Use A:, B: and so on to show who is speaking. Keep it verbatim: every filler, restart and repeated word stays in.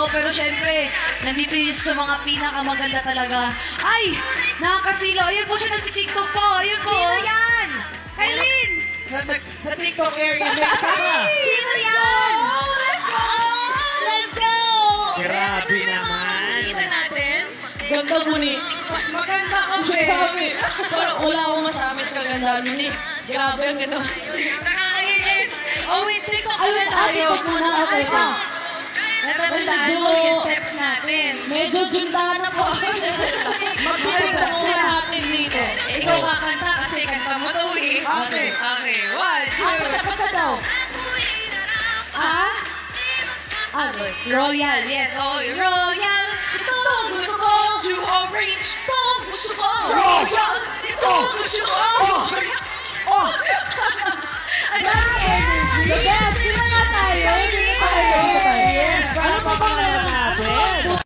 A: pero syempre, nandito yung sa mga pinakamaganda talaga. Ay, nakakasilaw. Ayun po siya, nagtitiktok po. Ayun po.
B: Sino yan?
A: Kailin!
C: Sa, sa TikTok area, may isa ka.
B: Sino yan?
A: Let's go! Let's go!
C: Grabe naman.
A: Kita natin. Ganda mo ni. Mas maganda ka, be. Parang wala akong masabi sa kaganda mo ni. Grabe, ang ganda. Nakakainis. Oh, wait, TikTok
B: Ayun,
A: ulit
B: ah,
A: tayo.
B: TikTok muna, okay,
A: Ano?
B: sa.
A: Natatandaan mo yung steps natin. Medyo jundahan na po. Mag-TikTok
B: sila.
A: natin dito. Ikaw kakanta kasi kanta mo to eh.
C: Okay.
A: Okay, one, two.
B: Ah, patsa-patsa daw. Ah? Ah,
A: Royal, yes. Oh, Royal. Ito ang gusto ko. To orange. Ito ang gusto ko. Royal. Ito ang gusto ko.
B: Oh! Bakit? The best! Sino nga tayo?